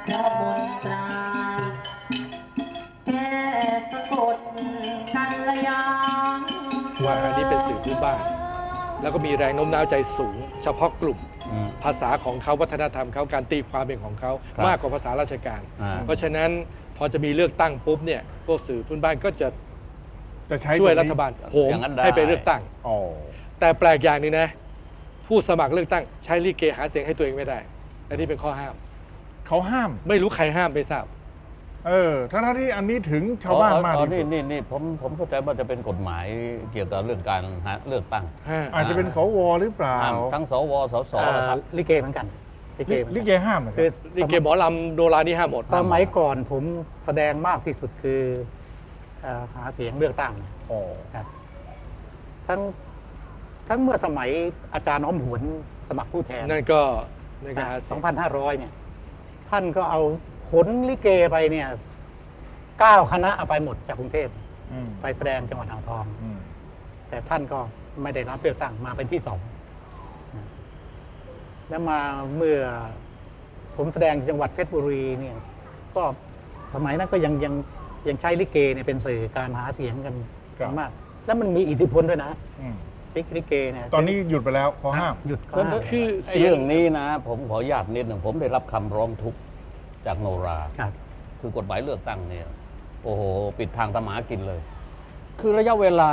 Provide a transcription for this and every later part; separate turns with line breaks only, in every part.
พระมนตราแก้สะกดกัลยาณ
ว่าอันนี้เป็นสื่อพื้นบ้าน แล้วก็มีแรงโน้มน้าวใจสูง เฉพาะกลุ่มภาษาของเขาวัฒนธรรมเขาการตีความเป็นของเขามากกว่าภาษาราชการ เพราะฉะนั้นพอจะมีเลือกตั้งปุ๊บเนี่ยพวกสื่อพื้นบ้านก็จะช่วยรัฐบาลโหมให้ไปเลือกตั้งแต่แปลกอย่างนึงนะผู้สมัครเลือกตั้งใช้ลิเกหาเสียงให้ตัวเองไม่ได้อันนี้เป็นข้อห้าม
เขาห้าม
ไม่รู้ใครห้ามไม่ทราบ
ทั้งที่อันนี้ถึงชาวบ้านมากที่สุด
นี่ผมเข้าใจว่าจะเป็นกฎหมายเกี่ยวกับเรื่องการหาเลือกตั้ง
อาจจะเป็นสวหรือเปล่า
ทั้งสวสสครับ
ลิเกเหมือนกัน
ลิเกห้ามนะครั
บลิเกหมอลำโนรานี่ห้ามหมด
สมัยก่อนผมแสดงมากที่สุดคือหาเสียงเลือกตั้งครับทั้งเมื่อสมัยอาจารย์อ้อมหวนสมัครผู้แทน
นั่นก็
2,500เนี่ยท่านก็เอาขนลิเกไปเนี่ย9 คณะเอาไปหมดจากกรุงเทพไปแสดงจังหวัดอ่างทองแต่ท่านก็ไม่ได้รับเลือกตั้งมาเป็นที่2แล้วมาเมื่อผมแสดงจังหวัดเพชรบุรีเนี่ยก็สมัยนั้นก็ยังใช้ลิเกเนี่ยเป็นสื่อการหาเสียงกันมากแล้วมันมีอิทธิพลด้วยนะลิเกเนี่ย
ตอนนี้หยุดไปแล้วขอห้าม
หยุด
คือเรื่องนี้นะผมขออนุญาตนิดหนึ่งผมได้รับคำร้องทุกข์จากโนราคือกฎหมายเลือกตั้งเนี่ยโอ้โหปิดทางทำหากินเลยคือระยะเวลา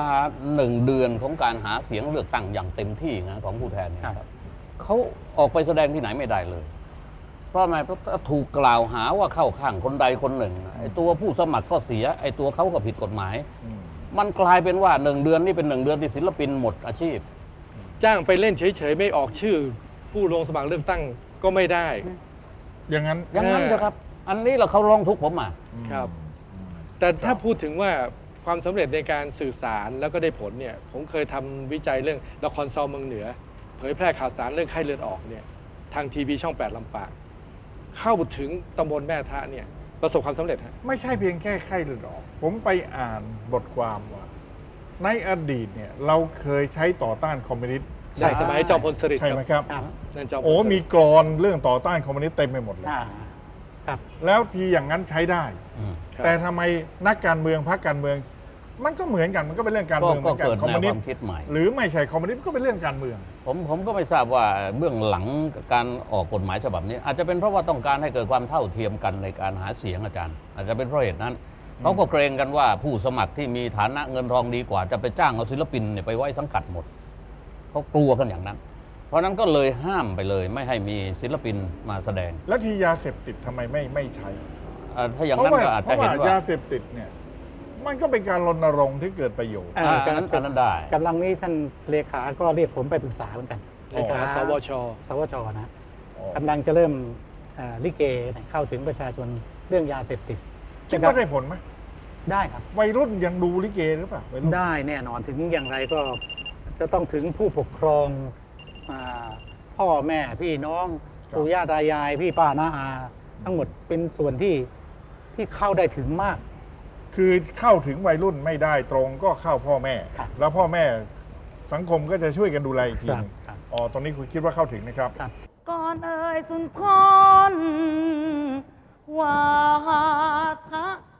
1 เดือนของการหาเสียงเลือกตั้งอย่างเต็มที่นะของผู้แทนเนี่ยครับเขาออกไปแสดงที่ไหนไม่ได้เลยเพราะอะไรเพราะถูกกล่าวหาว่าเข้าข้างคนใดคนหนึ่งไอ้ตัวผู้สมัครก็เสียไอ้ตัวเขาก็ผิดกฎหมายมันกลายเป็นว่า1 เดือนนี่เป็น1 เดือนที่ศิลปินหมดอาชีพ
จ้างไปเล่นเฉยๆไม่ออกชื่อผู้ลงสมัครเลือกตั้งก็ไม่ได้
อย่างนั้น
นะครับอันนี้เราเขาร้องทุกข์ผมมา
ครับแต่ถ้าพูดถึงว่าความสำเร็จในการสื่อสารแล้วก็ได้ผลเนี่ยผมเคยทำวิจัยเรื่องละครซอเมืองเหนือเผยแพร่ข่าวสารเรื่องไข้เลือดออกเนี่ยทางทีวีช่อง 8 ลำปางเข้าถึงตำบลแม่ทะเนี่ยประสบความสำเร็จฮะ
ไม่ใช่เพียงแค่ไข้เลือดออกผมไปอ่านบทความว่าในอดีตเนี่ยเราเคยใช้ต่อต้านคอมมิวนิสต์
ใช่สมัยจอมพลสฤษดิ์
ใช่ไหมครับ
นั่นจอมพล
มีกรอนเรื่องต่อต้านคอมมิวนิสต์เต็มไปหมดเลยแล้วทีอย่างนั้นใช้ได้แต่ทำไมนักการเมืองพรรคการเมืองมันก็เหมือนกันมันก็เป็นเรื่องการเมืองเหมือนกันคอมมิวนิสต์หรือไม่ใช่คอมมิวนิสต์ก็เป็นเรื่องการเมือง
ผมก็ไม่ทราบว่าเบื้องหลังการออกกฎหมายฉบับนี้อาจจะเป็นเพราะว่าต้องการให้เกิดความเท่าเทียมกันในการหาเสียงอาจารย์อาจจะเป็นเพราะเหตุนั้นเขาก็เกรงกันว่าผู้สมัครที่มีฐานะเงินทองดีกว่าจะไปจ้างเอาศิลปินเนี่ยไปไว้สังกัดหมดเขากลัวกันอย่างนั้นเพราะนั้นก็เลยห้ามไปเลยไม่ให้มีศิลปินมาแสดง
แล้วที่ยาเสพติดทำไมไม่ใช้
ถ้าอย่างนั้นก็อาจจะเห็นว่
ายาเสพติดเนี่ยมันก็เป็นการรณรงค์ที่เกิดประโยชน์
อันนั้นได้
กำลังนี้ท่านเลขาก็เรียกผมไปปรึกษาเหมือนกัน
เลขาสวช
นะกำลังจะเริ่มลิเกเข้าถึงประชาชนเรื่องยาเสพติด
คิดว่าได้ผลไหม
ได้ครับ
วัยรุ่นยังดูลิเกหรือเปล่า
ได้แน่นอนถึงอย่างไรก็จะต้องถึงผู้ปกครองพ่อแม่พี่น้องปู่ย่าตายายพี่ป้าน้าอาทั้งหมดเป็นส่วนที่เข้าได้ถึงมาก
คือเข้าถึงวัยรุ่นไม่ได้ตรงก็เข้าพ่อแม่แล้วพ่อแม่สังคมก็จะช่วยกันดูแลอีกทีนึงตอนนี้คุณคิดว่าเข้าถึงนะครับ
ก่อนเอ่ยสุนทรวาทะ